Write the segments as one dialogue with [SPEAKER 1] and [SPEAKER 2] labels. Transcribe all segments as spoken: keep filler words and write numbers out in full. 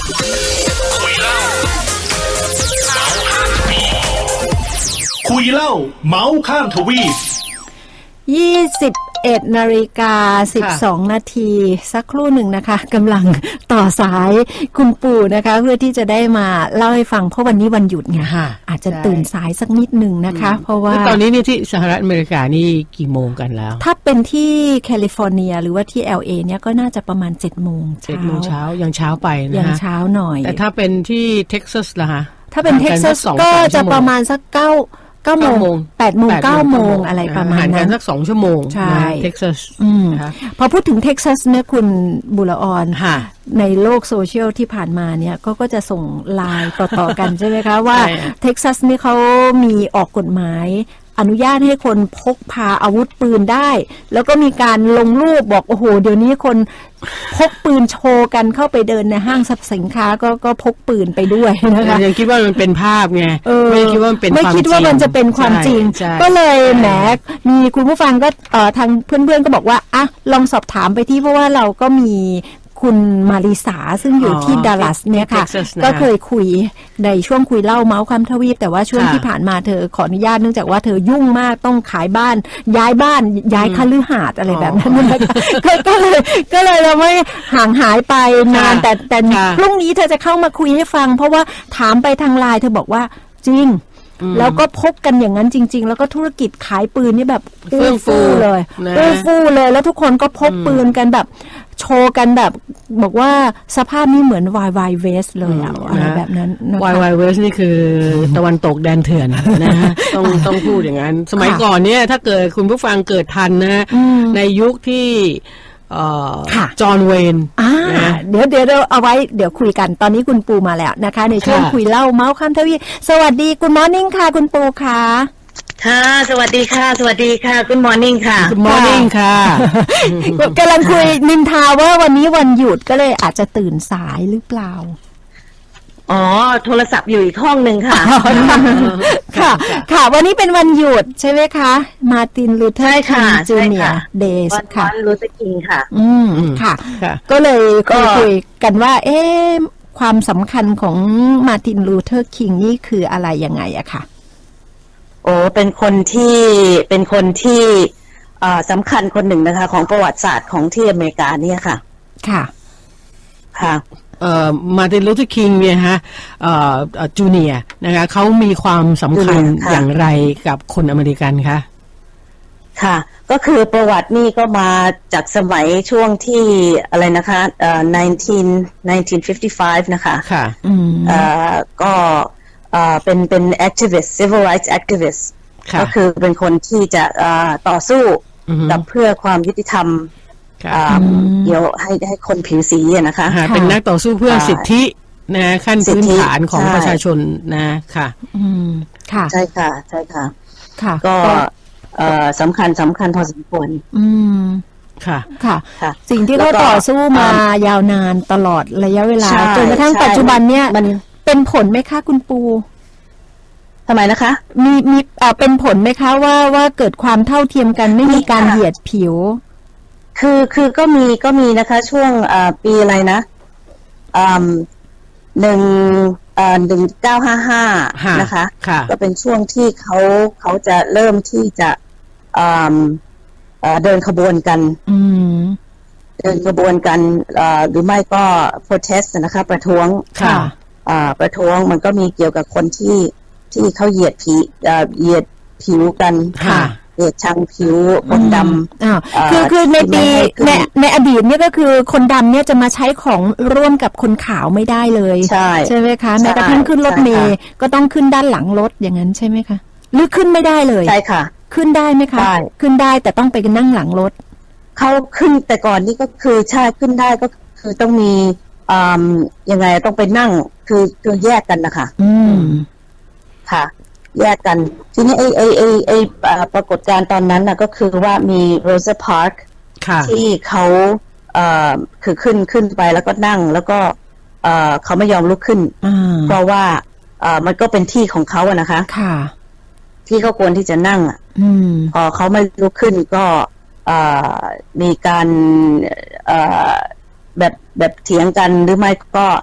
[SPEAKER 1] คุยเล่าเมาส์ข้ามทวีป
[SPEAKER 2] ยี่สิบเอ็ดนาฬิกาสิบสองนาทีสักครู่หนึ่งนะคะกำลังต่อสายคุณปู่นะคะเพื่อที่จะได้มาเล่าให้ฟังเพราะวันนี้วันหยุดไงอาจจะตื่นสายสักนิดหนึ่งนะคะเพราะว่า
[SPEAKER 3] ตอนนี้นี่ที่สหรัฐอเมริกานี่กี่โมงกันแล้ว
[SPEAKER 2] ถ้าเป็นที่แคลิฟอร์เนียหรือว่าที่ แอล เอ เนี่ยก็น่าจะประมาณเจ็ดโมง
[SPEAKER 3] เจ็ดโมงเช้ายังเช้าไปนะ
[SPEAKER 2] ยังเช้าหน่อย
[SPEAKER 3] แต่ถ้าเป็นที่เท็กซัสล่ะคะ
[SPEAKER 2] ถ้าเป็นเท็กซัสก็จะประมาณสักเก้าเก้าโมงแปดโมงเก้าโมงอะไรประมาณนั้น
[SPEAKER 3] สักสองชั่วโมง
[SPEAKER 2] ใช่
[SPEAKER 3] เท็กซัส
[SPEAKER 2] พอพูดถึงเท็กซัสเนี่ยคุณบุรออนในโลกโซเชียลที่ผ่านมาเนี่ยก็ก็จะส่งไลน์ต่อๆกันใช่ไหมคะว่าเท็กซัสนี่เขามีออกกฎหมายอนุญาตให้คนพกพาอาวุธปืนได้แล้วก็มีการลงรูปบอกโอ้โหเดี๋ยวนี้คนพกปืนโชว์กันเข้าไปเดินในห้างสรรพสินค้าก็ก็พกปืนไปด้วยนะคะ
[SPEAKER 3] ยังคิดว่ามันเป็นภาพไงไม่คิดว่ามันเป็น
[SPEAKER 2] ไม่คิดว่ามันจะเป็นความจริงก็เลยแหมมีคุณผู้ฟังก็เอ่อทางเพื่อนๆก็บอกว่าอ่ะลองสอบถามไปที่เพราะว่าเราก็มีคุณมาริสาซึ่งอยู่ที่ดัลลัสเนี่ยค่ะก็เคยคุยในช่วงคุยเล่าเมาส์คำทวีปแต่ว่าช่วงที่ผ่านมาเธอขออนุญาตเนื่องจากว่าเธอยุ่งมากต้องขายบ้านย้ายบ้านย้ายคฤหาสน์อะไรแบบนั้นก็เลยก็เลยเราไม่ห่างหายไปนานแต่แต่พรุ่งนี้เธอจะเข้ามาคุยให้ฟังเพราะว่าถามไปทางไลน์เธอบอกว่าจริงแล้วก็พบกันอย่างนั้นจริงๆแล้วก็ธุรกิจขายปืนนี่แบบอู้ฟู่เลยอู้ฟู่เลยแล้วทุกคนก็พกปืนกันแบบโชว์กันแบบบอกว่าสภาพนี้เหมือน Wild Wild West เลยอะไรแบบนั้น
[SPEAKER 3] Wild Wild West นี่คือตะวันตกแดนเถื่อนนะฮะต้องต้องพูดอย่างนั้นสมัยก่อนเนี่ยถ้าเกิดคุณผู้ฟังเกิดทันนะในยุคที่จอห์นเวน
[SPEAKER 2] เดี๋ยวเดี๋ยวเราเอาไว้เดี๋ยวคุยกันตอนนี้คุณปูมาแล้วนะคะในช่วงคุยเล่าเมาส์ข้ามทวีปสวัสดีคุณมอร์นิ่งค่ะคุณปูค่ะ
[SPEAKER 4] ค่ะสวัสดีค่ะสวัสดีค่ะคุณมอร์นิ่งค่ะ
[SPEAKER 3] คุณมอร์นิ่งค่ะ
[SPEAKER 2] กำลังคุยนินทาว่าวันนี้วันหยุดก็เลยอาจจะตื่นสายหรือเปล่า
[SPEAKER 4] อ๋อโทรศัพท์อยู่อีกห้องหนึ่งค่ะ
[SPEAKER 2] ค่ะค่ะวันนี้เป็นวันหยุดใช่ไหมคะมาร์ตินลูเทอร์คิงจูเนียร์เดย์ค่ะ
[SPEAKER 4] วันลูเทอร์คิงค่ะ
[SPEAKER 2] อืมค่ะก็เลยก็คุยกันว่าเอ๊ะความสำคัญของมาร์ตินลูเทอร์คิงนี่คืออะไรยังไงอะค่ะ
[SPEAKER 4] โอ้เป็นคนที่เป็นคนที่สำคัญคนหนึ่งนะคะของประวัติศาสตร์ของที่อเมริกาเนี่ยค่ะ
[SPEAKER 2] ค่ะ
[SPEAKER 4] ค่ะ
[SPEAKER 3] เอ่อมาร์ตินลูเทอร์คิงเนี่ยฮะเอ่อจูเนียร์นะคะเขามีความสำคัญอย่างไรกับคนอเมริกันคะ
[SPEAKER 4] ค่ะก็คือประวัตินี่ก็มาจากสมัยช่วงที่อะไรนะคะเอ่อหนึ่งพันเก้าร้อยห้าสิบห้านะคะ
[SPEAKER 3] ค่ะ
[SPEAKER 4] เอ่อก็เอ่อเป็นเป็น activist civil rights activist ก็คือเป็นคนที่จะเอ่อต่อสู้กับเพื่อความยุติธรรมเดี๋ยวให้ให้คนผิวสีนะคะ
[SPEAKER 3] เป็นนักต่อสู้เพื่อสิทธินะขั้นพื้นฐานของประชาชนนะค่ะ
[SPEAKER 2] อืมค่ะ
[SPEAKER 4] ใช่ค่ะใช่ค่ะ
[SPEAKER 2] ค่ะ
[SPEAKER 4] ก็สำคัญสำคัญพอสมควร
[SPEAKER 2] อืม
[SPEAKER 3] ค่ะ
[SPEAKER 2] ค่ะสิ่งที่เขาต่อสู้มายาวนานตลอดระยะเวลาจนกระทั่งปัจจุบันเนี่ยเป็นผลไหมคะคุณปู
[SPEAKER 4] ทำไมนะคะ
[SPEAKER 2] มีมีเป็นผลไหมคะว่าว่าเกิดความเท่าเทียมกันไม่มีการเหยียดผิว
[SPEAKER 4] คือคือก็มีก็มีนะคะช่วงปีอะไรนะหนึ่งหนึ่งเก้าห้าห้านะคะก็เป็นช่วงที่เขาเขาจะเริ่มที่จะเดินขบวนกันเดินขบวนกันหรือไม่ก็ protest นะคะประท้วงประท้วงมันก็มีเกี่ยวกับคนที่ที่เขาเหยียดผิวเหยียดผิวกันเหยียดชังผิวคนด
[SPEAKER 2] ำคือคือในปีในในอดีตเนี่ยก็คือคนดำเนี่ยจะมาใช้ของร่วมกับคนขาวไม่ได้เลย
[SPEAKER 4] ใช่
[SPEAKER 2] ใช่ไหมคะแม้กระทั่งขึ้นรถเมล์ก็ต้องขึ้นด้านหลังรถอย่างนั้นใช่ไหมคะหรือขึ้นไม่ได้เลย
[SPEAKER 4] ใช่ค่ะ
[SPEAKER 2] ขึ้นได้ไหมคะขึ้นได้แต่ต้องไปนั่งหลังรถ
[SPEAKER 4] เขาขึ้นแต่ก่อนนี่ก็คือใช่ขึ้นได้ก็คือต้องมียังไงต้องไปนั่งคือคือแยกกันนะคะ
[SPEAKER 2] อืม
[SPEAKER 4] ค่ะแยกกันทีนี้ไอ้ไอ้ไอ้ไอ้ปรากฏการณ์ตอนนั้นน่ะก็คือว่ามีโรซาพาร์คที่เขาเอ่อคือขึ้นขึ้นไปแล้วก็นั่งแล้วก็เอ่อเขาไม่ยอมลุกขึ้นเพราะว่าเอ่อมันก็เป็นที่ของเขาอะนะคะ
[SPEAKER 2] ค่ะ
[SPEAKER 4] ที่เขาควรที่จะนั่งอ่ะพอเขาไม่ลุกขึ้นก็เอ่อมีการเอ่อแบบแบบเถียงกันหรือไม่ก็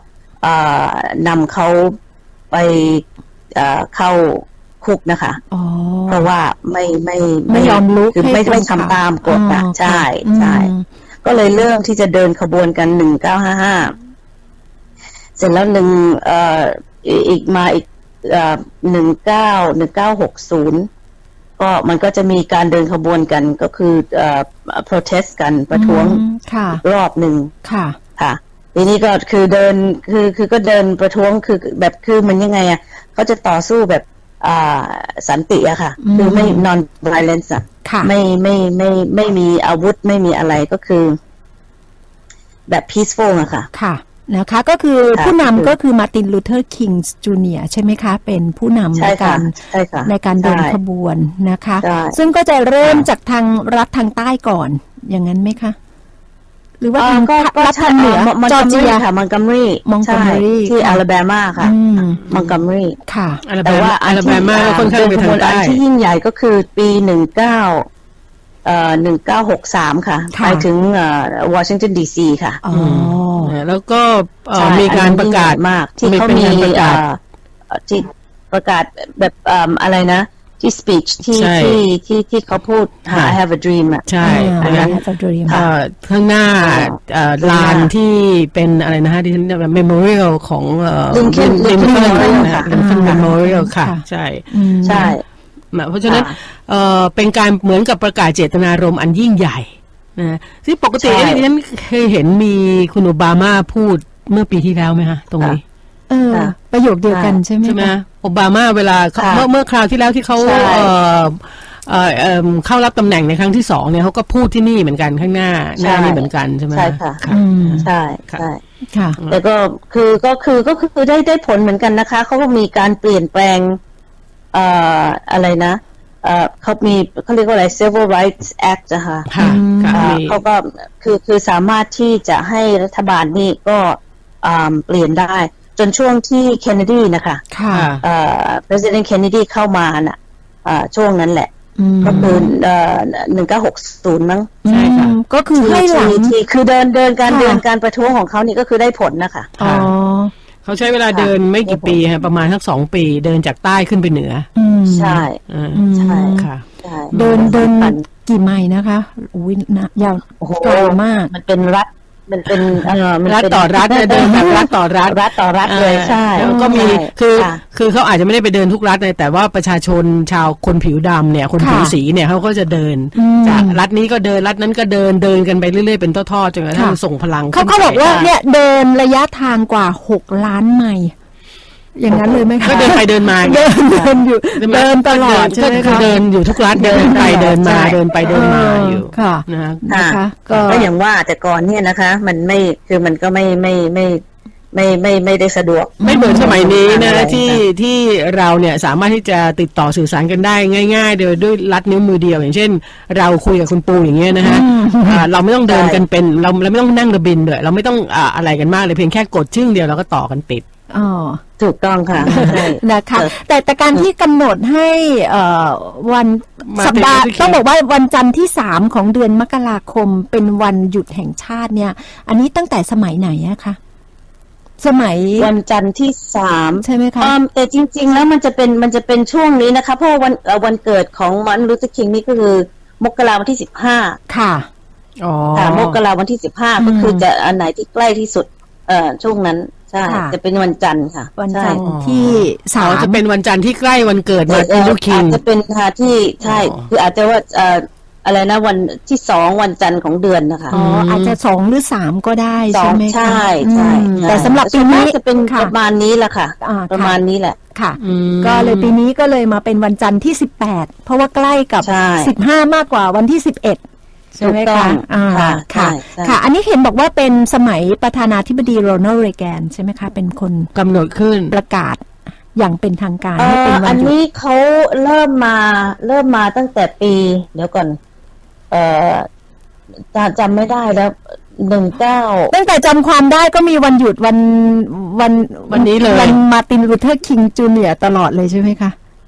[SPEAKER 4] เอ่อนำเขาไปเอ่อเข้าคุกนะคะ
[SPEAKER 2] อ๋อ
[SPEAKER 4] เพราะว่าไม่ไม่
[SPEAKER 2] ไม่ยอมลุก
[SPEAKER 4] คือ
[SPEAKER 2] ให้
[SPEAKER 4] ไม่
[SPEAKER 2] คน
[SPEAKER 4] ไม่
[SPEAKER 2] ขับ
[SPEAKER 4] ทำตามกฎ
[SPEAKER 2] อ๋
[SPEAKER 4] อ่ะ
[SPEAKER 2] อ
[SPEAKER 4] ใช่
[SPEAKER 2] ค่ะ
[SPEAKER 4] ใช่
[SPEAKER 2] อืม
[SPEAKER 4] ก็เลยเริ่มที่จะเดินขบวนกันหนึ่งเก้าห้าห้าเสร็จแล้วหนึ่งเอ่ออีกมาอีกเอ่อหนึ่งเก้าหนึ่งเก้าหกศูนย์ก็มันก็จะมีการเดินขบวนกันก็คือเอ่อ protest กันประท้วง
[SPEAKER 2] อืมค่ะ
[SPEAKER 4] อีกรอบหนึ่ง
[SPEAKER 2] ค่ะ
[SPEAKER 4] ค่ะทีนี้ก็คือเดินคือคือก็เดินประท้วงคือแบบคือมันยังไงอ่ะเขาจะต่อสู้แบบอ่าสันติอะค่ะ
[SPEAKER 2] อืม
[SPEAKER 4] คือไม่ non violence อะ
[SPEAKER 2] ค่ะ
[SPEAKER 4] ไม่ไม่ไม่ไม่มีอาวุธไม่มีอะไรก็คือแบบ peaceful อะค่ะ
[SPEAKER 2] ค่ะนะคะก็คือ
[SPEAKER 4] ค่ะ
[SPEAKER 2] ผู้นำก็คือมาร์ตินลูเทอร์คิงส์จูเนียร์ใช่ไหมคะ เป็นผู้นำ
[SPEAKER 4] ใช่
[SPEAKER 2] ใน
[SPEAKER 4] ค่ะ
[SPEAKER 2] การ
[SPEAKER 4] ใช่ค่ะ
[SPEAKER 2] ในการเดิน
[SPEAKER 4] ใช่
[SPEAKER 2] ขบวนนะคะ
[SPEAKER 4] ใช่
[SPEAKER 2] ซึ่งก็จะเริ่ม
[SPEAKER 4] ค่ะ
[SPEAKER 2] จากทางรัฐทางใต้ก่อน อย่างนั้นไหมคะ หรือว่า
[SPEAKER 4] เอ่อ
[SPEAKER 2] ทาง
[SPEAKER 4] ก็ก็
[SPEAKER 2] รัฐ
[SPEAKER 4] ใช่
[SPEAKER 2] ทางเหนือ
[SPEAKER 4] มัน
[SPEAKER 2] จอ
[SPEAKER 4] กั
[SPEAKER 2] ร์
[SPEAKER 4] ม
[SPEAKER 2] เจี
[SPEAKER 4] รี
[SPEAKER 2] ย
[SPEAKER 4] ค่ะมันกัมรี
[SPEAKER 2] Montgomery
[SPEAKER 4] ที่
[SPEAKER 2] ค่ะ
[SPEAKER 4] อลาแบมาค่ะ
[SPEAKER 2] อืม
[SPEAKER 4] มันกัมรี
[SPEAKER 2] ค่ะ
[SPEAKER 3] อลาแบ
[SPEAKER 4] แต่ว่า
[SPEAKER 3] มา
[SPEAKER 4] อั
[SPEAKER 3] อน ลาแบ
[SPEAKER 4] ที่
[SPEAKER 3] มาก็ค่อนข้างไปทางใต้
[SPEAKER 4] อันที่ยิ่งใหญ่ก็คือปีหนึ่งเก้าเอ่อหนึ่งเก้าหกสามค่ะ
[SPEAKER 2] ค่ะ
[SPEAKER 4] ไปถึงเอ่อวอชิงตันดีซีค่ะ
[SPEAKER 2] อ๋อ
[SPEAKER 3] นะแล้วก็เอ่อ
[SPEAKER 4] ใช่
[SPEAKER 3] มีการ
[SPEAKER 4] อันนั้น
[SPEAKER 3] ประกาศ
[SPEAKER 4] ยิ่งใหญ่มากที่
[SPEAKER 3] มี
[SPEAKER 4] เขา
[SPEAKER 3] เป็น
[SPEAKER 4] มี
[SPEAKER 3] การประกาศ
[SPEAKER 4] เอ่อที่ประกาศแบบเอิ่มอะไรนะ ที่ speech ที่
[SPEAKER 3] ใช่
[SPEAKER 4] ที่ที่ที่เขาพูด
[SPEAKER 3] ค่ะ
[SPEAKER 4] I have a dream อ่ะ
[SPEAKER 3] ใช่
[SPEAKER 2] อ่า
[SPEAKER 3] ดังนั้น
[SPEAKER 2] I have a dream
[SPEAKER 3] เอ่อข้างหน้า
[SPEAKER 4] ค่ะ
[SPEAKER 3] เอ่อลานที่เป็นอะไรนะฮะที่เรียกว่า memorial ของเอ่อ
[SPEAKER 4] Lincoln
[SPEAKER 3] Lincoln
[SPEAKER 4] Lincoln Memorial
[SPEAKER 3] นะ
[SPEAKER 4] ค่ะ
[SPEAKER 3] Lincoln
[SPEAKER 2] อ่า
[SPEAKER 3] memorial ค่ะ
[SPEAKER 2] ค่ะ
[SPEAKER 3] ใช่
[SPEAKER 2] อืม
[SPEAKER 4] ใช่
[SPEAKER 3] นะเพราะฉะนั้น
[SPEAKER 4] ค่ะ
[SPEAKER 3] เอ่อเป็นการเหมือนกับประกาศเจตนารมณ์อันยิ่งใหญ่นะที่ปกติ
[SPEAKER 4] ใช่
[SPEAKER 3] ดิฉันเคยเห็นมีคุณโอบามาพูดเมื่อปีที่แล้วไหมฮะตรงนี้
[SPEAKER 2] เออ
[SPEAKER 4] ค่ะ
[SPEAKER 2] ประโยคเดียวกันใช่ไหม
[SPEAKER 3] ใช่ไหม
[SPEAKER 2] คะ
[SPEAKER 3] โอบามาเวลาเขา
[SPEAKER 4] ค่ะ
[SPEAKER 3] เมื่อเมื่อคราวที่แล้วที่เขา
[SPEAKER 4] ใช่
[SPEAKER 3] เอ่อเอ่อเอิ่มเข้ารับตำแหน่งในครั้งที่สองเนี่ยเขาก็พูดที่นี่เหมือนกันข้างหน้าหน้านี่เหมือนกันใช่ไหม
[SPEAKER 4] ใช่ค่ะ
[SPEAKER 2] อืม
[SPEAKER 4] ใช่
[SPEAKER 3] ค่ะ
[SPEAKER 4] ใช่
[SPEAKER 2] ค่ะ
[SPEAKER 4] แต่ก็คือก็คือก็คือได้ได้ผลเหมือนกันนะคะเขาก็มีการเปลี่ยนแปลงเอ่ออะไรนะเอ่อเขามีเขาเรียกว่าอะไร Civil Rights Act นะคะ
[SPEAKER 3] ค่ะค่ะ
[SPEAKER 4] อ่า
[SPEAKER 3] มี
[SPEAKER 4] เขาก็คือคือสามารถที่จะให้รัฐบาลนี่ก็อ่าเปลี่ยนได้ จนช่วงที่เคนเนดีนะคะ
[SPEAKER 2] ค่ะ
[SPEAKER 4] เอ่อ President Kennedy เข้ามาน่ะอ่าช่วงนั้นแหละ
[SPEAKER 2] อืม
[SPEAKER 4] ก็คือเอ่อหนึ่งเก้าหกศูนย์มั้ง
[SPEAKER 3] ใช่ค่ะ
[SPEAKER 2] อืมก็คือให้หลัง
[SPEAKER 4] ที่ที่คือเดินเดินการ
[SPEAKER 2] ค่ะ
[SPEAKER 4] เดินการประท้วงของเขานี่ก็คือได้ผลนะคะ
[SPEAKER 2] อ๋อ
[SPEAKER 3] เขาใช้เวลาเดินไม่กี่ปีฮะประมาณสักสองปีเดินจากใต้ขึ้นไปเหนือ
[SPEAKER 2] อืม
[SPEAKER 4] ใช่
[SPEAKER 3] อ่า
[SPEAKER 2] อืม
[SPEAKER 4] ใช่
[SPEAKER 3] ค่ะ
[SPEAKER 4] ใช่
[SPEAKER 2] เดินเดิน
[SPEAKER 4] สำคัญ
[SPEAKER 2] กี่ไมล์นะคะอุ้ยนะยาว
[SPEAKER 4] โอ้โห
[SPEAKER 2] ไกลมาก
[SPEAKER 4] มันเป็นรัฐมันเป็นเอ่อมัน
[SPEAKER 3] รัฐ
[SPEAKER 4] เป็น
[SPEAKER 3] ต่อรัฐนะเดินแบบรัฐต่อรัฐ
[SPEAKER 4] รัฐต่อรัฐเลยใช่
[SPEAKER 3] แล้วก็มี
[SPEAKER 4] ใช่
[SPEAKER 3] คือ
[SPEAKER 4] ค่ะ
[SPEAKER 3] คือเขาอาจจะไม่ได้ไปเดินทุกรัฐเลยแต่ว่าประชาชนชาวคนผิวดำเนี่ยคนผิว
[SPEAKER 2] ค่ะ
[SPEAKER 3] สีเนี่ยเขาก็จะเดิน
[SPEAKER 2] อืม
[SPEAKER 3] จากรัฐนี้ก็เดินรัฐนั้นก็เดินเดินกันไปเรื่อยๆเป็นทอดๆจนกระทั่ง
[SPEAKER 2] ค่ะ
[SPEAKER 3] ส่งพลัง
[SPEAKER 2] เขา
[SPEAKER 3] ขึ้น
[SPEAKER 2] เขาบอก
[SPEAKER 3] ไป
[SPEAKER 2] ว่าเนี่ยเดินระยะทางกว่าหกล้านไมล์อย่างนั้นเลยไหมคะ
[SPEAKER 3] ก็เดินไปเดินมา
[SPEAKER 2] เดินเดินอยู่เดินตลอดใช่ไหม
[SPEAKER 3] ก็
[SPEAKER 2] คะ
[SPEAKER 3] เดินอยู่ทุกรัฐเดินไปเดินมาเดินไปเดินมาอยู่
[SPEAKER 2] ค่ะ
[SPEAKER 3] นะฮะ
[SPEAKER 2] นะคะ ก็
[SPEAKER 4] ก็อย่างว่าแต่ก่อนเนี่ยนะคะ มันไม่คือมันก็ไม่ไม่ไม่ไม่ไม่ไม่ได้สะดวก
[SPEAKER 3] ไม่เหมือนสมัยนี้นะ
[SPEAKER 4] อะไร
[SPEAKER 3] ที่
[SPEAKER 4] ค่ะ
[SPEAKER 3] ที่เราเนี่ยสามารถที่จะติดต่อสื่อสารกันได้ง่ายๆโดยด้วยลัดนิ้วมือเดียว อย่างเช่น เราคุยกับคุณปูอย่างเงี้ยนะฮะอ่าเราไม่ต้องเดินกันเป็นเราเราไม่ต้องนั่งเรือบินด้วยเราไม่ต้องอ่าอะไรกันมากเลยเพียงแค่กดชึ่งเดียวเราก็ต่อกันติด
[SPEAKER 2] อ๋อ
[SPEAKER 4] ถูกต้องค่ะใช่
[SPEAKER 2] นะคะ
[SPEAKER 4] เออ
[SPEAKER 2] แต่แต่การที่กำหนดให้เอ่อวัน
[SPEAKER 3] มา
[SPEAKER 2] สัปดาห์
[SPEAKER 3] เป็น
[SPEAKER 2] ต้องบอกว่าวันจันทร์ที่สามของเดือนมกราคมเป็นวันหยุดแห่งชาติเนี่ย อันนี้ตั้งแต่สมัยไหนอะคะสมัย
[SPEAKER 4] วันจันทร์ที่สาม
[SPEAKER 2] ใช่ไหมคะ
[SPEAKER 4] อืมแต่จริง ๆ แล้วมันจะเป็นมันจะเป็นช่วงนี้นะคะ เพราะว่าวันเอ่อวันเกิดของมาร์ตินลูเทอร์คิงนี่ก็คือมกราวันที่สิบห้า
[SPEAKER 2] ค่ะ
[SPEAKER 3] อ๋อ
[SPEAKER 4] ค่ะมกราวันที่สิบห้า
[SPEAKER 2] อืม
[SPEAKER 4] ก็คือจะอันไหนที่ใกล้ที่สุด เอ่อช่วงนั้นใช่
[SPEAKER 2] ค่ะ
[SPEAKER 4] จะเป็นวันจันทร์ค่ะ
[SPEAKER 2] วัน
[SPEAKER 4] ใช่
[SPEAKER 2] จันทร์ที่สา
[SPEAKER 3] อ๋อ
[SPEAKER 2] ม
[SPEAKER 3] จะเป็นวันจันทร์ที่ใกล้วันเกิด
[SPEAKER 4] เอ่
[SPEAKER 3] มา
[SPEAKER 4] อ
[SPEAKER 3] ร์ตินลูเทอร์คิง
[SPEAKER 4] อาจจะเป็นค่ะที่ใช่
[SPEAKER 3] อ๋อ
[SPEAKER 4] คืออาจจะว่าเอ่ออะไรนะวันที่สองวันจันทร์ของเดือนนะคะ
[SPEAKER 2] อ๋ออาจจะสองหรือสามก็ได้
[SPEAKER 4] สอ
[SPEAKER 2] ใช่
[SPEAKER 4] ง
[SPEAKER 2] ไหมคะ
[SPEAKER 4] ใช่ใช่
[SPEAKER 2] อืม
[SPEAKER 4] ใช่
[SPEAKER 2] แต่สำหรับปี
[SPEAKER 4] ส่วนมา
[SPEAKER 2] นี้
[SPEAKER 4] กจะเป็น
[SPEAKER 2] ค่ะ
[SPEAKER 4] ประมาณนี้แหละค่ะ
[SPEAKER 2] อ่า
[SPEAKER 4] ประมาณนี้แหละ
[SPEAKER 2] ค่ะ
[SPEAKER 3] อืม
[SPEAKER 2] ก็เลยปีนี้ก็เลยมาเป็นวันจันทร์ที่สิบแปดเพราะว่าใกล้กับ
[SPEAKER 4] ใช่
[SPEAKER 2] สิบห้ามากกว่าวันที่สิบเอ็ดใช่ไหม
[SPEAKER 4] ถูกต้อ
[SPEAKER 2] คะ
[SPEAKER 4] ง
[SPEAKER 2] อ่า
[SPEAKER 4] ค่ะ
[SPEAKER 2] ค่ะ
[SPEAKER 4] ใช่ใช่
[SPEAKER 2] ค่ะ อันนี้เห็นบอกว่าเป็นสมัยประธานาธิบดีโรนัลด์เรแกนใช่ไหมคะ เป็นคน
[SPEAKER 3] กำหนดขึ้น
[SPEAKER 2] ประกาศอย่างเป็นทางการ
[SPEAKER 4] เอ่
[SPEAKER 2] ให้เป็น
[SPEAKER 4] อ
[SPEAKER 2] วั
[SPEAKER 4] อั
[SPEAKER 2] น
[SPEAKER 4] น
[SPEAKER 2] หยุด
[SPEAKER 4] นี้เขาเริ่มมาเริ่มมาตั้งแต่ปี เดี๋ยวก่อน เอ่อจำจำไม่ได้แล้วหนึ่งเก้า
[SPEAKER 2] ตั้งแต่จำความได้ก็มีวันหยุดวันวัน
[SPEAKER 3] วันนี้เลย
[SPEAKER 2] วันมาร์ตินลูเทอร์คิงจูเนียร์ตลอดเลยใช่ไหมคะ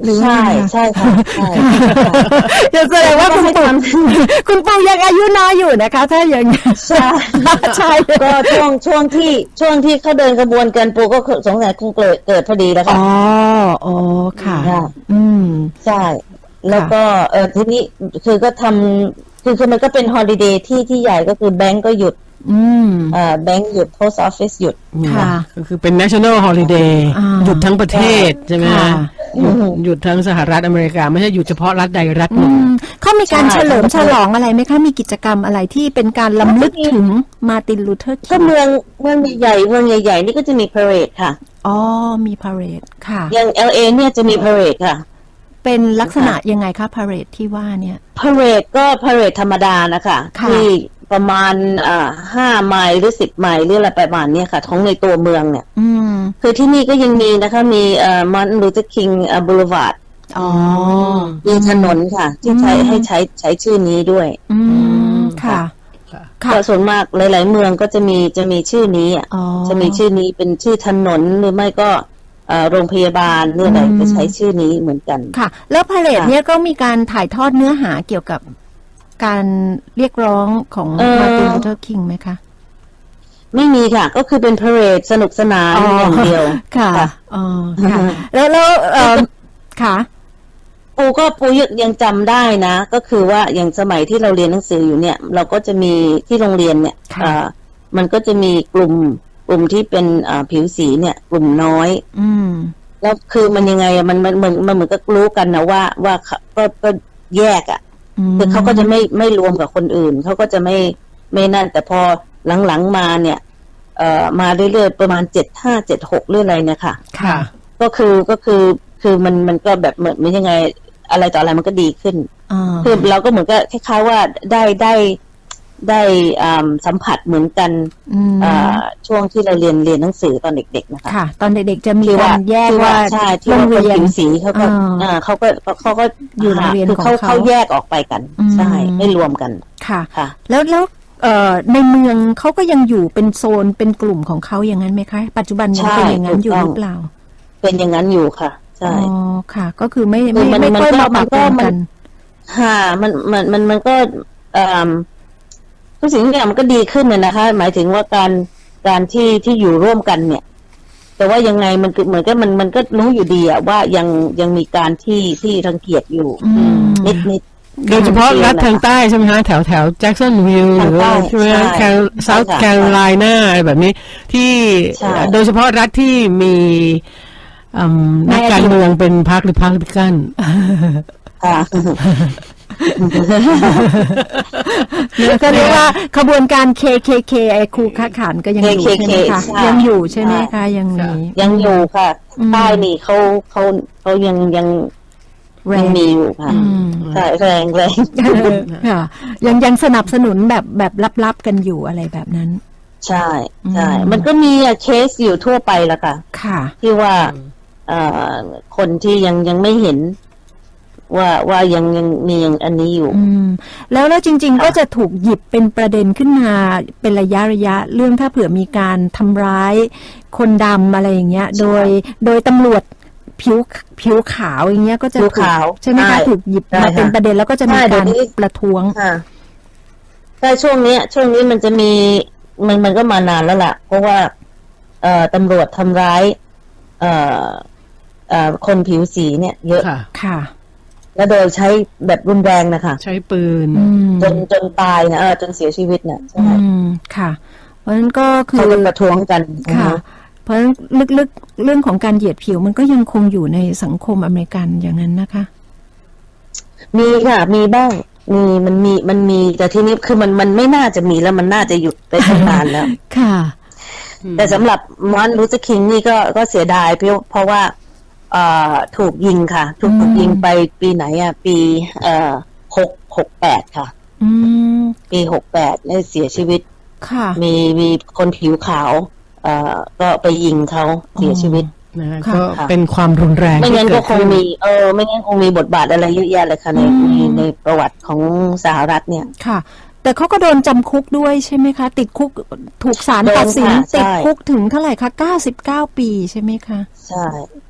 [SPEAKER 2] หรือ
[SPEAKER 4] ใช่
[SPEAKER 2] ไงคะ
[SPEAKER 4] ใช่ค่ะใช่
[SPEAKER 2] จะแสดงว่าคุณปู่คุณปู่ยังอายุน้อยอยู่นะคะ ถ้าอย่าง
[SPEAKER 4] ใช่
[SPEAKER 2] ใช่
[SPEAKER 4] ก็ช่วงช่วงที่ช่วงที่เขาเดินกระบวนการปูก็สงสัยคงเกิดเกิดพอดีแล้ว
[SPEAKER 2] อ๋
[SPEAKER 4] ค่ะ
[SPEAKER 2] ออ๋อค่ะ
[SPEAKER 4] ค่ะ
[SPEAKER 2] อืม
[SPEAKER 4] ใช่ แล้วก็เออทีนี้คือก็ทำคือคือมันก็เป็นฮอลิเดย์ที่ที่ใหญ่ก็คือแบงก์ก็หยุด
[SPEAKER 2] อืม
[SPEAKER 4] เอ่อแบงก์หยุด post office หยุด
[SPEAKER 2] ค่ะ
[SPEAKER 3] ก็คือเป็น national holiday
[SPEAKER 2] อ่า
[SPEAKER 3] หยุดทั้งประเทศใช่ไหม
[SPEAKER 2] ค่ะ
[SPEAKER 3] หยุดหยุดทั้งสหรัฐอเมริกา ไม่ใช่หยุดเฉพาะรัฐใดรัฐห
[SPEAKER 2] อื
[SPEAKER 3] นึ่ง
[SPEAKER 2] มเขามีการ
[SPEAKER 4] ใช่
[SPEAKER 2] เฉลิมฉลองอะไรไหมคะ มีกิจกรรมอะไรที่เป็นการล้ำลึกถึงมาร์ตินลูเทอร์คิ
[SPEAKER 4] ก็
[SPEAKER 2] ง
[SPEAKER 4] เมืองเมืองใหญ่ๆเมืองใหญ่ๆนี่ก็จะมี parade ค่ะ
[SPEAKER 2] อ๋อ มีพาเหรดค่ะ
[SPEAKER 4] อย่าง แอล เอ เนี่ยจะมี parade ค่ะ
[SPEAKER 2] เป็นลักษณะยังไงคะพาเหรดที่ว่าเนี่ย
[SPEAKER 4] parade ก็ parade ธรรมดานะคะ
[SPEAKER 2] ค่ะ
[SPEAKER 4] ที่ประมาณอ่าห้าไมล์หรือสิบไมล์หรืออะไรประมาณเนี้ยค่ะของในตัวเมืองเนี่ย
[SPEAKER 2] อืม
[SPEAKER 4] คือที่นี่ก็ยังมีนะคะมีเอ่อ Martin Luther King Boulevard
[SPEAKER 2] อ๋อ
[SPEAKER 4] มีถนนค่ะ ที่ใช้
[SPEAKER 2] อืม
[SPEAKER 4] ให้ใช้ใช้ชื่อนี้ด้วย
[SPEAKER 2] อืม ค่ะ
[SPEAKER 3] ค่ะ
[SPEAKER 2] ค่ะ
[SPEAKER 4] ก็ส่วนมากหลาย ๆ เมืองก็จะมีจะมีชื่อนี้อ่ะ
[SPEAKER 2] อ๋อ
[SPEAKER 4] จะมีชื่อนี้เป็นชื่อถนนหรือไม่ก็เอ่อโรงพยาบาลหรืออะไร
[SPEAKER 2] อืม
[SPEAKER 4] จะใช้ชื่อนี้เหมือนกัน
[SPEAKER 2] ค่ะ แล้วพาเหรด
[SPEAKER 4] ค่ะ
[SPEAKER 2] เนี่ยก็มีการถ่ายทอดเนื้อหาเกี่ยวกับการเรียกร้องของ
[SPEAKER 4] เอ่อ
[SPEAKER 2] มาร์ตินลูเทอร์คิงไหมคะ
[SPEAKER 4] ไม่มีค่ะ ก็คือเป็น parade สนุกสนานอย่างเดียว
[SPEAKER 2] ค่ะ
[SPEAKER 4] ค่ะ
[SPEAKER 2] อ๋อค่ะ แล้วแล้วเอ่อค่ะ
[SPEAKER 4] ปูก็ปูยังจำได้นะ ก็คือว่าอย่างสมัยที่เราเรียนหนังสืออยู่เนี่ย เราก็จะมีที่โรงเรียนเนี่ย
[SPEAKER 2] ค่ะ
[SPEAKER 4] เอ่อมันก็จะมีกลุ่มกลุ่มที่เป็นอ่าผิวสีเนี่ย กลุ่มน้อย
[SPEAKER 2] อืม
[SPEAKER 4] แล้วคือมันยังไงอะมันมันเหมือนมันเหมือนก็รู้กันนะว่าว่าเขาก็ก็แยกอ่ะ
[SPEAKER 2] ม
[SPEAKER 4] คือเขาก็จะไม่ไม่รวมกับคนอื่นเขาก็จะไม่ไม่นั่น แต่พอหลังๆมาเนี่ย เอ่อมาเรื่อยๆประมาณเจ็ดห้าเจ็ดหกเรื่องอะไรเนี่ยค่ะ
[SPEAKER 3] ค่ะ
[SPEAKER 4] ก็คือก็คือคือมันมันก็แบบเหมือนมันยังไงอะไรต่ออะไรมันก็ดีขึ้น
[SPEAKER 2] อ่า
[SPEAKER 4] คือเราก็เหมือนก็คล้ายๆว่าได้ได้ได้อ่าสัมผัสเหมือนกัน
[SPEAKER 2] อืม
[SPEAKER 4] อ่าช่วงที่เราเรียนเรียนหนังสือตอนเด็กๆนะคะ
[SPEAKER 2] ค่ะ ตอนเด็กๆจะมี
[SPEAKER 4] ที่
[SPEAKER 2] การแยก
[SPEAKER 4] ที่
[SPEAKER 2] ว่า
[SPEAKER 4] ใช่ที่
[SPEAKER 2] โร
[SPEAKER 4] ว่าง คน
[SPEAKER 2] เรียน
[SPEAKER 4] ผิวสีเขาก็
[SPEAKER 2] อ่า
[SPEAKER 4] อ่าเขาก็เขาก็
[SPEAKER 2] อยู่โรงเรียน
[SPEAKER 4] คือ
[SPEAKER 2] ของ
[SPEAKER 4] เขา
[SPEAKER 2] เขา
[SPEAKER 4] เขาแยกออกไปกัน
[SPEAKER 2] อืม
[SPEAKER 4] ใช่ไม่รวมกัน
[SPEAKER 2] ค่ะ
[SPEAKER 4] ค่ะ
[SPEAKER 2] แล้วแล้วเอ่อในเมืองเขาก็ยังอยู่เป็นโซนเป็นกลุ่มของเขาอย่างนั้นไหมคะ ปัจจุบันยัง
[SPEAKER 4] ใช่
[SPEAKER 2] เป็นอย่างนั้นอยู่
[SPEAKER 4] ถูกต้อง
[SPEAKER 2] หรือเปล่า
[SPEAKER 4] เป็นอย่างนั้นอยู่ค่ะ ใช่
[SPEAKER 2] อ๋อค่ะ ก็คือไม่
[SPEAKER 4] คื
[SPEAKER 2] ไม่
[SPEAKER 4] อมัน
[SPEAKER 2] ไม่ค่อย
[SPEAKER 4] มันก็
[SPEAKER 2] มาปะปน
[SPEAKER 4] มันก็
[SPEAKER 2] กัน
[SPEAKER 4] ค่ะมันมันมันมันก็เอ่อทุกสิ่งทุกอย่างมันก็ดีขึ้นน่ะนะคะ หมายถึงว่าการการที่ที่อยู่ร่วมกันเนี่ย แต่ว่ายังไงมันคือเหมือนกับมันมันก็รู้อยู่ดีอะว่ายังยังมีการที่ที่รังเกียจอยู่
[SPEAKER 2] อืม
[SPEAKER 4] นิดนิด
[SPEAKER 3] โดยเฉพาะรัฐทางใต้ใช่ไหมฮะแถวแถวแจ็กสันวิลล์ห
[SPEAKER 4] ทาง
[SPEAKER 3] รือ
[SPEAKER 4] ใต้
[SPEAKER 3] ว่าใช่ไหมฮะ
[SPEAKER 4] ใช่
[SPEAKER 3] เซาท์
[SPEAKER 4] ใช่ค่ะ
[SPEAKER 3] แคโรไลนาอะไรแบบนี้ที่
[SPEAKER 4] ใช่
[SPEAKER 3] โดยเฉพาะรัฐที่มีอืมนักการเมืองเป็นพรรคหรือพรรคริพับลิกัน
[SPEAKER 4] ค่ะ
[SPEAKER 2] ก็เรียกว่าขบวนการ เค เค เค ไอ้ครูค้าขานก็ยังอยู่
[SPEAKER 4] เค เค
[SPEAKER 2] ใช่ไหมคะ
[SPEAKER 4] ใช่
[SPEAKER 2] ยังอยู่ใช่ไหมคะยังมี
[SPEAKER 4] ยังอยู่ค่ะ
[SPEAKER 2] อืม
[SPEAKER 4] ใต้นี่เขาเขาเขายังยัง
[SPEAKER 2] แร
[SPEAKER 4] ยัง
[SPEAKER 2] ง
[SPEAKER 4] มีอยู่ค่ะ
[SPEAKER 2] อืม
[SPEAKER 4] ใช่แรงแรง
[SPEAKER 2] เออค่ะยังยังสนับสนุนแบบแบบลับๆกันอยู่อะไรแบบนั้น
[SPEAKER 4] ใช่ใช่
[SPEAKER 2] อืม
[SPEAKER 4] มันก็มีอะเคสอยู่ทั่วไปละค่ะ
[SPEAKER 2] ค่ะ
[SPEAKER 4] ที่ว่าเอ่อคนที่ยังยังไม่เห็น ว่าว่ายังยังมีอย่างอันนี้อยู่
[SPEAKER 2] อืมแล้วแล้วจริง ๆ ก็จะถูกหยิบเป็นประเด็นขึ้นมาเป็นระยะระยะเรื่องถ้าเผื่อมีการทำร้ายคนดำอะไรอย่างเงี้ย
[SPEAKER 4] ใช่
[SPEAKER 2] โดยโดยตำรวจผิวผิวขาวอย่างเงี้ยก็จะ
[SPEAKER 4] ผิว
[SPEAKER 2] ถูก
[SPEAKER 4] ขาว
[SPEAKER 2] ใช่ไหม
[SPEAKER 4] ใช่
[SPEAKER 2] คะถูกหยิบ
[SPEAKER 4] ใช่
[SPEAKER 2] มาเป็น
[SPEAKER 4] ค่ะ
[SPEAKER 2] ประเด็นแล้วก็จะมี
[SPEAKER 4] ใช่เดี๋
[SPEAKER 2] กาย ร
[SPEAKER 4] วนี้
[SPEAKER 2] ประท้วง
[SPEAKER 4] ค่ะใช่ช่วงเนี้ย ช่วงนี้มันจะมีมันมันก็มานานแล้วล่ะ เพราะว่า เอ่อตำรวจทำร้าย เอ่อเอ่อคนผิวสีเนี่ย เยอะ
[SPEAKER 3] ค่ะ
[SPEAKER 2] ค่ะ
[SPEAKER 4] แล้วโดยใช้แบบรุนแรงนะคะ
[SPEAKER 3] ใช้ปืน
[SPEAKER 2] อืม
[SPEAKER 4] จนจนตายนะเออจนเสียชีวิตน่ะใช่
[SPEAKER 2] อืมค่ะ เพราะฉะนั้นก็คื
[SPEAKER 4] เขา
[SPEAKER 2] อ
[SPEAKER 4] ก็ประท้วงกัน
[SPEAKER 2] ค่ะ เพราะฉะนั้นลึกๆเรื่องของการเหยียดผิวมันก็ยังคงอยู่ในสังคมอเมริกันอย่างนั้นนะคะ
[SPEAKER 4] มีค่ะ มีบ้าง มีมันมีมันมีแต่ทีนี้คือมันมันไม่น่าจะมีแล้วมันน่าจะหยุดไปตั้งนานแล้ว
[SPEAKER 2] ค่ะ
[SPEAKER 4] แต่สำหรับมอนลูเทอร์คิงนี่ก็ก็เสียดายเพราะเพราะว่าเอ่อถูกยิงค่ะ ถูก
[SPEAKER 2] อืม
[SPEAKER 4] ถูกยิงไปปีไหนอ่ะ ปีเอ่อหกหกแปดค่ะ
[SPEAKER 2] อืม
[SPEAKER 4] ปีหกแปดได้เสียชีวิต
[SPEAKER 2] ค่ะ
[SPEAKER 4] มีมีคนผิวขาว เอ่อก็ไปยิงเขาเสียชีวิต
[SPEAKER 3] นะฮะ
[SPEAKER 2] ค่ะ
[SPEAKER 3] ก็เป็นความรุนแรง
[SPEAKER 4] ไม่
[SPEAKER 3] ที่
[SPEAKER 4] งั้น
[SPEAKER 3] เกิ
[SPEAKER 4] ก็
[SPEAKER 3] ด
[SPEAKER 4] คง
[SPEAKER 3] ขึ้น
[SPEAKER 4] มี เออ ไม่งั้นคงมีบทบาทอะไรเยอะแยะเลยค่ะใน
[SPEAKER 2] อืม
[SPEAKER 4] ในในประวัติของสหรัฐเนี่ย
[SPEAKER 2] ค่ะ แต่เขาก็โดนจำคุกด้วยใช่ไหมคะ ติดคุกถูกศาล
[SPEAKER 4] โดน
[SPEAKER 2] ตัดสิน
[SPEAKER 4] ค่ะใช่
[SPEAKER 2] ติดคุกถึงเท่าไหร่คะเก้าสิบเก้าปีใช่ไหมคะ
[SPEAKER 4] ใช่ใช่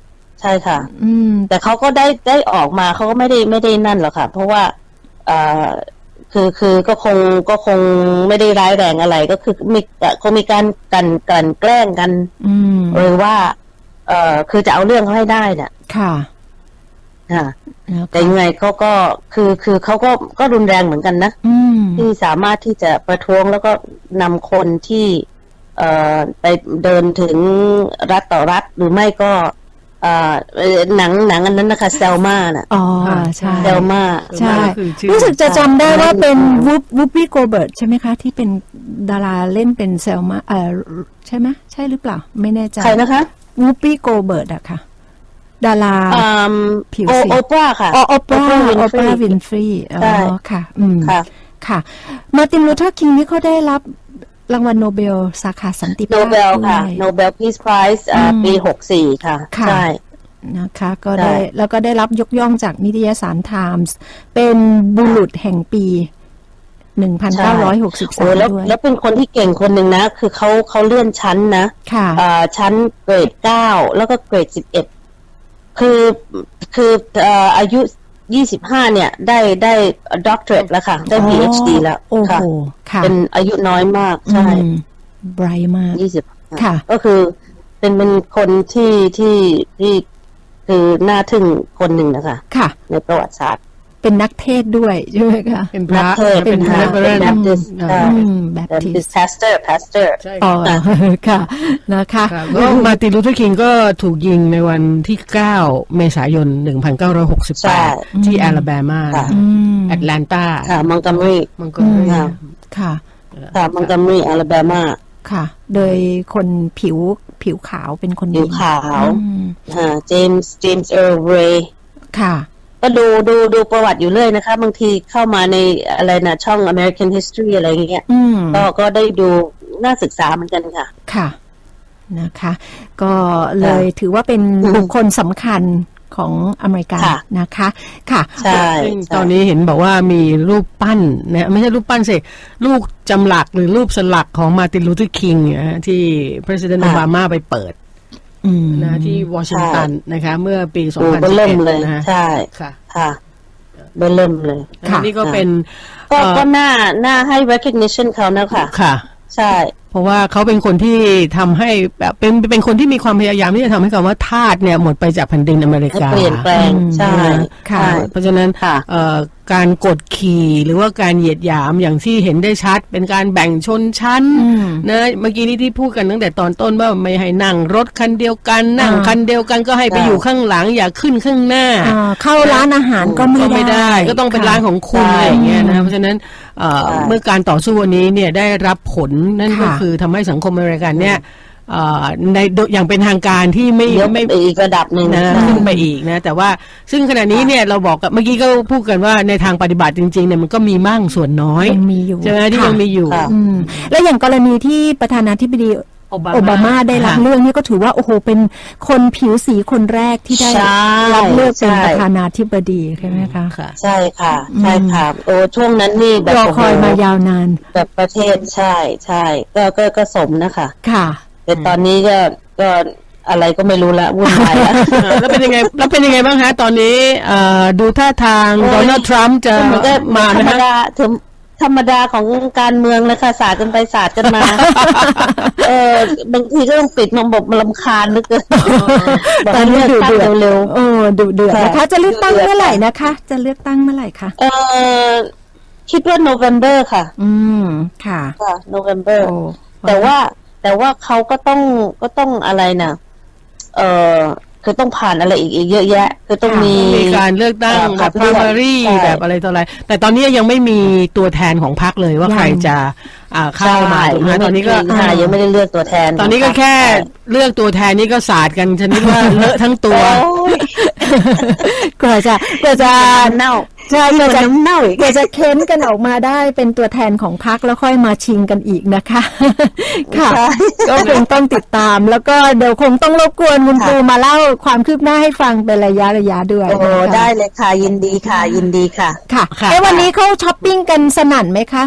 [SPEAKER 4] ช่ค่ะ
[SPEAKER 2] อืม
[SPEAKER 4] แต่เขาก็ได้ได้ออกมาเขาก็ไม่ได้ไม่ได้นั่นหรอกค่ะ เพราะว่าเอ่อคือคือก็คงก็คงไม่ได้ร้ายแรงอะไรก็คือมีคงมีการกันกันแกล้งกัน
[SPEAKER 2] อืม
[SPEAKER 4] หรือว่า เอ่อคือจะเอาเรื่องเขาให้ได้เนี่ย
[SPEAKER 2] ค่ะ
[SPEAKER 4] ค่ะ
[SPEAKER 2] แล้ว
[SPEAKER 4] แต่ยังไงเขาก็คือคือเขาก็ก็รุนแรงเหมือนกันนะ
[SPEAKER 2] อืม
[SPEAKER 4] ที่สามารถที่จะประท้วงแล้วก็นำคนที่เอ่อไปเดินถึงรัฐต่อรัฐหรือไม่ก็เอ่อหนังหนังอันนั้นนะคะเซลมาน่ะ
[SPEAKER 2] อ๋อใช่
[SPEAKER 4] เซลมา
[SPEAKER 2] ใช่
[SPEAKER 3] ก็คือชื่อ
[SPEAKER 2] รู้สึกจะจำได้ว่าเป็นวูปวูปปี้โกเบิร์ตใช่ไหมคะ ที่เป็นดาราเล่นเป็นเซลมาเอ่อใช่ไหมใช่หรือเปล่า ไม่แน่ใจ
[SPEAKER 4] ใครนะคะ
[SPEAKER 2] วูปปี้โกเบิร์ตอะค่ะ ดารา
[SPEAKER 4] อืม
[SPEAKER 2] ผิว
[SPEAKER 4] โอ
[SPEAKER 2] สี
[SPEAKER 4] โอปราค่ะ
[SPEAKER 2] อ๋อโอปรา
[SPEAKER 4] Oprah
[SPEAKER 2] โอ
[SPEAKER 4] Winfrey
[SPEAKER 2] ปราวินฟรีอ๋
[SPEAKER 4] ใช่
[SPEAKER 2] อค่ะ อืม
[SPEAKER 4] ค่ะ
[SPEAKER 2] ค่ะ มาร์ตินลูเทอร์คิงนี่เขาได้รับรางวัลโนเบลสาขาสันติภาพ
[SPEAKER 4] โนเบลค่ะ
[SPEAKER 2] ด้วย
[SPEAKER 4] โนเบลพีซไพรส์ปีหกสี่ค่ะ
[SPEAKER 2] ค่ะ
[SPEAKER 4] ใช่
[SPEAKER 2] นะคะก็ได้
[SPEAKER 4] ใช่
[SPEAKER 2] แล้วก็ได้รับยกย่องจากนิตยสารไทมส์เป็นบุรุษแห่งปี หนึ่งพันเก้าร้อยหกสิบสาม
[SPEAKER 4] โอ้แล้ว
[SPEAKER 2] ด้วย
[SPEAKER 4] แล้วเป็นคนที่เก่งคนหนึ่งนะ คือเขาเขาเลื่อนชั้นนะ
[SPEAKER 2] ค่ะ
[SPEAKER 4] อ่าชั้นเกรดเก้าแล้วก็เกรดสิบเอ็ดคือคือเอ่ออายุยี่สิบห้าเนี่ย ได้ได้ด็อกเตอร์แล้วค่ะ ได้ พี เอช ดี แล้ว
[SPEAKER 2] โอ้
[SPEAKER 4] ค่ะ
[SPEAKER 2] โหค่ะ
[SPEAKER 4] เป็นอายุน้อยมาก ใช่
[SPEAKER 2] ไบรท์มาก
[SPEAKER 4] ยี่สิบ
[SPEAKER 2] ค่ะ
[SPEAKER 4] ก็คือเป็นเป็นคนที่ที่ที่คือน่าทึ่งคนหนึ่งนะคะ
[SPEAKER 2] ค่ะ
[SPEAKER 4] ในประวัติศาสตร์
[SPEAKER 2] เป็นนักเทศด้วยใช่ไหมคะ
[SPEAKER 3] เป็นพระ
[SPEAKER 4] นักเทศ
[SPEAKER 3] เป็น
[SPEAKER 4] เป็นพระ
[SPEAKER 3] Reverend
[SPEAKER 4] เป็น Baptist
[SPEAKER 3] อ่า
[SPEAKER 4] ใช่
[SPEAKER 2] อืมแบบ
[SPEAKER 4] แต่
[SPEAKER 2] ทิ
[SPEAKER 4] เป็น
[SPEAKER 2] ส
[SPEAKER 4] pastor pastor
[SPEAKER 3] ใช่
[SPEAKER 2] อ๋อ
[SPEAKER 3] ค่ะ
[SPEAKER 2] ค่ะนะคะ
[SPEAKER 3] ครับก็มาร์ตินลูเทอร์คิงก็ถูกยิงในวันที่เก้าเมษายนหนึ่งพันเก้าร้อยหกสิบ
[SPEAKER 4] ใช่
[SPEAKER 3] แปดที่แอลาแบมา
[SPEAKER 4] ค่ะ
[SPEAKER 2] อืม
[SPEAKER 3] แอตแลนตา
[SPEAKER 4] ค่ะมองก o มรี
[SPEAKER 3] มันก็เลย
[SPEAKER 4] ค่ะ
[SPEAKER 2] ค่ะ
[SPEAKER 4] ค่ะมองก o มรีอลาแบมา
[SPEAKER 2] ค่ะ โดยคนผิวผิวขาวเป็นคน
[SPEAKER 4] ผิว
[SPEAKER 2] ยิง
[SPEAKER 4] ขาว
[SPEAKER 2] อืม
[SPEAKER 4] อ่าเจมส์เจมส์เออร์เรย์
[SPEAKER 2] ค่ะ
[SPEAKER 4] ก็ดูดูดูประวัติอยู่เรื่อยนะคะ บางทีเข้ามาในอะไรนะช่อง American History อะไรอย่างเงี้ย
[SPEAKER 2] อืม
[SPEAKER 4] ก็ก็ได้ดูน่าศึกษาเหมือนกันค่ะ
[SPEAKER 2] ค่ะนะคะ ก็เลยถือว่าเป็นบุคคลสำคัญของอเมริกา
[SPEAKER 4] ค่ะ
[SPEAKER 2] นะคะค่ะ
[SPEAKER 4] ใช่
[SPEAKER 3] ซึ่ง
[SPEAKER 4] ใช่
[SPEAKER 3] ตอนนี้เห็นบอกว่ามีรูปปั้นนะไม่ใช่รูปปั้นสิรูปจำหลักหรือรูปสลักของมาร์ตินลูเทอร์คิงนะฮะที่ President โอบามาไปเปิด
[SPEAKER 2] อืม
[SPEAKER 3] นะที่วอชิงตันนะคะ เมื่อปี
[SPEAKER 4] ดูเบอ
[SPEAKER 3] สองพันสิบ
[SPEAKER 4] เริ่
[SPEAKER 3] เอ็
[SPEAKER 4] ม
[SPEAKER 3] ด
[SPEAKER 4] เลย
[SPEAKER 3] นะฮะ
[SPEAKER 4] ใช่
[SPEAKER 3] ค่ะ
[SPEAKER 4] ค่ะเบอเริ่มเลย
[SPEAKER 2] ค่ะ
[SPEAKER 3] อันนี่ก็เป็น
[SPEAKER 4] ก็
[SPEAKER 3] เอ่อ
[SPEAKER 4] ก็น่าน่าให้ recognition เขานะคะ
[SPEAKER 3] ค่ะ
[SPEAKER 4] ใช่
[SPEAKER 3] เพราะว่าเขาเป็นคนที่ทำให้แบบเป็นเป็นคนที่มีความพยายามที่จะทำให้คำว่าทาสเนี่ยหมดไปจากแผ่นดินอเมริ
[SPEAKER 4] ให้
[SPEAKER 3] กา
[SPEAKER 4] เปลี่ยนแปลง
[SPEAKER 2] อืม
[SPEAKER 4] ใช่
[SPEAKER 2] ค่ะ
[SPEAKER 4] ใช่
[SPEAKER 3] เพราะฉะนั้น
[SPEAKER 4] ค่ะ
[SPEAKER 3] เอ่อการกดขี่หรือว่าการเหยียดหยามอย่างที่เห็นได้ชัด เป็นการแบ่งชนชั้น
[SPEAKER 2] อืม
[SPEAKER 3] นะเมื่อกี้นี้ที่พูดกันตั้งแต่ตอนต้นว่าไม่ให้นั่งรถคันเดียวกันนั่ง
[SPEAKER 2] อ่า
[SPEAKER 3] คันเดียวกันก็ให้ไป
[SPEAKER 4] ใช่
[SPEAKER 3] อยู่ข้างหลังอย่าขึ้นข้างหน้า
[SPEAKER 2] อ่าเข้าร้านอาหารก็ไม่
[SPEAKER 3] ก็
[SPEAKER 2] ได้
[SPEAKER 3] ไม่ได้ ก็ต้องเป็น
[SPEAKER 2] ค่ะ
[SPEAKER 3] ร้านของคุณ
[SPEAKER 4] ใช่
[SPEAKER 3] อะไรอย่างเงี้ยนะเพราะฉะนั้นเอ่อ
[SPEAKER 4] ใช่
[SPEAKER 3] เมื่อการต่อสู้วันนี้เนี่ยได้รับผลนั่นก็
[SPEAKER 2] ค่ะ
[SPEAKER 3] คือทำให้สังคมอเมริกันเนี่ยเอ่อในอย่างเป็นทางการที่ไม่
[SPEAKER 4] ยก
[SPEAKER 3] ไม่
[SPEAKER 4] ไปอีกระดับหนึ่ง
[SPEAKER 3] นะ
[SPEAKER 4] ใช่
[SPEAKER 3] ขึ้นไปอีกนะแต่ว่าซึ่งขณะนี้เนี่ยเราบอกกับเมื่อกี้ก็พูดกันว่าในทางปฏิบัติจริงๆเนี่ยมันก็มีมั่งส่วนน้อย
[SPEAKER 2] ยังมีอยู่
[SPEAKER 3] ใช่ไหมที่
[SPEAKER 2] ค่ะ
[SPEAKER 3] ยังมีอยู่
[SPEAKER 4] ค่ะ
[SPEAKER 2] อืมและอย่างกรณีที่ประธานาธิบดี
[SPEAKER 3] โอบา
[SPEAKER 2] โอบามาได้รับ
[SPEAKER 3] ค่ะ
[SPEAKER 2] เรื่องนี่ก็ถือว่าโอ้โหเป็นคนผิวสีคนแรกที่ได้
[SPEAKER 4] ใช่
[SPEAKER 2] รับเลือกเป็น
[SPEAKER 4] ใช่
[SPEAKER 2] ประธานาธิบดีใช่ไหมคะ
[SPEAKER 3] ค่ะ
[SPEAKER 4] ใช่ค่ะ ใช่ค่ะ โอ้ช่วงนั้นนี่แบบ
[SPEAKER 2] รอคอย
[SPEAKER 4] โโห
[SPEAKER 2] มายาวนาน
[SPEAKER 4] แบบประเทศใช่ใช่ก็ก็ก็สมนะคะ
[SPEAKER 2] ค่ะ
[SPEAKER 4] แต่ตอนนี้ก็ก็อะไรก็ไม่รู้ละวุ่นวายละ
[SPEAKER 3] เออแล้วเป็นยังไงแล้วเป็นยังไงบ้างฮะตอนนี้เอ่อดูท่าทาง
[SPEAKER 4] โอ้ย
[SPEAKER 3] โดนัลด์ทรัมป์จะ
[SPEAKER 4] เหมือนกับ
[SPEAKER 3] มา
[SPEAKER 4] ธร
[SPEAKER 3] นะ
[SPEAKER 4] รม
[SPEAKER 3] ฮะ
[SPEAKER 4] ดาธรรมธรรมดาของการเมืองนะคะศาสตร์กันไปศาสตร์กันมา เออบางทีก็ต้องปิดมันบอกมันรำคาญเหลือเกินบอก
[SPEAKER 2] ตอ
[SPEAKER 4] ให้
[SPEAKER 2] นนี้
[SPEAKER 4] เลือก
[SPEAKER 2] ดู
[SPEAKER 4] ตั้ง
[SPEAKER 2] เดือด
[SPEAKER 4] เร็ว
[SPEAKER 2] โอ้ดูเดือด
[SPEAKER 4] ค่ะ
[SPEAKER 2] นะคะ จะเลือกตั้ง
[SPEAKER 4] ดูเดือด
[SPEAKER 2] เมื่อไหร่นะคะ จะเลือกตั้งเมื่อไหร่คะ
[SPEAKER 4] ๆเออคิดว่าโนเวม ber ค่ะ
[SPEAKER 2] อืมค่ะ
[SPEAKER 4] ค่ะโนเวม ber
[SPEAKER 2] โอ้
[SPEAKER 4] แต่ว่าแต่ว่าเขาก็ต้องก็ต้องอะไรนะเออคือต้องผ่านอะไรอีกอีกเยอะแยะ คือต้องมี
[SPEAKER 3] มีการเลือกตั้ง
[SPEAKER 4] เอ่อ
[SPEAKER 3] แบบ
[SPEAKER 4] ขับเลือก
[SPEAKER 3] primary
[SPEAKER 4] ใช่
[SPEAKER 3] แบบอะไรต่ออะไร แต่ตอนนี้ยังไม่มีตัวแทนของพรรคเลยว่า
[SPEAKER 2] ยัง
[SPEAKER 3] ใครจะอ่าเข้ามาถูกไหม
[SPEAKER 4] ใช่
[SPEAKER 3] ตอนนี้ก็
[SPEAKER 4] ใช่ยังไม่ได้เลือกตัวแทน
[SPEAKER 3] ตอนนี้ก็แค่เลือกตัวแทนนี่ก็ศาสตร์กันชนิดว่า เลอะทั้งตัว
[SPEAKER 4] โอ้ย
[SPEAKER 2] กว่าจะกว่าจะ
[SPEAKER 4] เน่า
[SPEAKER 2] ใช่กว่าจะ
[SPEAKER 4] น้ำเน่าอีก
[SPEAKER 2] กว่าจะเค้นกันออกมาได้เป็นตัวแทนของพรรคแล้วค่อยมาชิงกันอีกนะคะ ค่ะ
[SPEAKER 4] ใช่
[SPEAKER 2] ก็คงต้องติดตาม แล้วก็เดี๋ยวคงต้องรบกวนคุณ
[SPEAKER 4] ค่ะ
[SPEAKER 2] ครูมาเล่าความคืบหน้าให้ฟังเป็นระยะระยะด้วย
[SPEAKER 4] โอ้
[SPEAKER 2] นะคะ
[SPEAKER 4] ได้เลยค่ะ ยินดีค่ะ ยินดีค่ะ
[SPEAKER 2] ค่ะ
[SPEAKER 3] ค่ะ
[SPEAKER 2] เอ้วันนี้เขาช้อปปิ้งกันสนั่นไหมคะ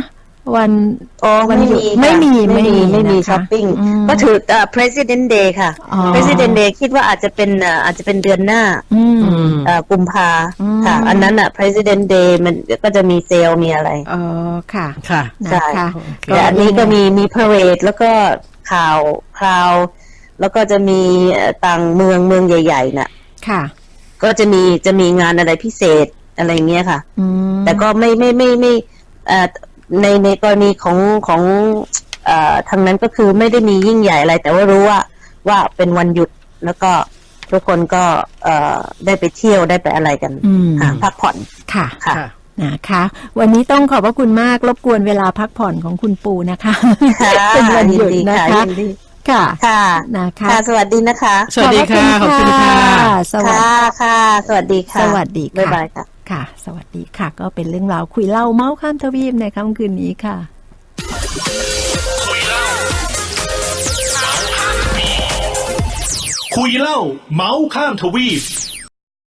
[SPEAKER 2] วัน
[SPEAKER 4] อ๋อ
[SPEAKER 2] วั
[SPEAKER 4] ไม่
[SPEAKER 2] หยุด
[SPEAKER 4] มี
[SPEAKER 2] ไม่มี
[SPEAKER 4] ค่ะไม่มี
[SPEAKER 2] ไม่
[SPEAKER 4] ไม่
[SPEAKER 2] มี
[SPEAKER 4] มี
[SPEAKER 2] นะคะ
[SPEAKER 4] ช้อปปิ้ง
[SPEAKER 2] อืม
[SPEAKER 4] ก็ถือเอ่อ President Day ค่ะ
[SPEAKER 2] อ๋อ
[SPEAKER 4] President Day คิดว่าอาจจะเป็นเอ่ออาจจะเป็นเดือนหน้า
[SPEAKER 2] อืม
[SPEAKER 4] เอ่อกุมภา
[SPEAKER 2] อืม
[SPEAKER 4] ค่ะ อันนั้นอ่ะ President Day มันก็จะมีเซลล์มีอะไร
[SPEAKER 2] อ๋อค่ะ
[SPEAKER 3] ค่ะ
[SPEAKER 2] นะคะ
[SPEAKER 4] แต่อันนี้ก็มีมีพาเรดแล้วก็ข่าวคราว แล้วก็จะมีเอ่อต่างเมืองเมืองใหญ่ๆน่ะ
[SPEAKER 2] ค่ะ
[SPEAKER 4] ก็จะมีจะมีงานอะไรพิเศษอะไรเงี้ยค่ะ
[SPEAKER 2] อืม
[SPEAKER 4] แต่ก็ไม่ไม่ไม่ไม่เอ่อในในกรณีของของเอ่อทางนั้นก็คือไม่ได้มียิ่งใหญ่อะไร แต่ว่ารู้ว่าว่าเป็นวันหยุดแล้วก็ทุกคนก็เอ่อได้ไปเที่ยวได้ไปอะไรกัน
[SPEAKER 2] อืม
[SPEAKER 4] ค่ะพักผ่อน
[SPEAKER 2] ค่ะ
[SPEAKER 4] ค่ะ
[SPEAKER 3] ค่ะ
[SPEAKER 2] นะคะ วันนี้ต้องขอบพระคุณมากรบกวนเวลาพักผ่อนของคุณปูนะคะ
[SPEAKER 4] ค่ะ
[SPEAKER 2] เป็นวันหยุด
[SPEAKER 4] ยินดี
[SPEAKER 2] นะ
[SPEAKER 4] ค่ะ
[SPEAKER 2] คะ
[SPEAKER 4] ยินดี
[SPEAKER 2] ค่ะ
[SPEAKER 4] ค่ะ
[SPEAKER 2] นะคะ
[SPEAKER 4] ค่ะ สวัสดีนะคะ
[SPEAKER 3] สวัสดีค่ะ ขอบคุณค่ะ
[SPEAKER 2] สวัส
[SPEAKER 4] ค่ะ
[SPEAKER 2] ดี
[SPEAKER 4] ค่ะ สวัสดีค่ะ
[SPEAKER 2] สวัสดีค่ะ
[SPEAKER 4] บ๊ายบายค่ะ
[SPEAKER 2] ค่ะ สวัสดีค่ะ ก็เป็นเรื่องราวคุยเล่าเมาส์ข้ามทวีปในค่ำคืนนี้ค่ะ
[SPEAKER 1] คุยเล่าเมาส์ข้ามทวีป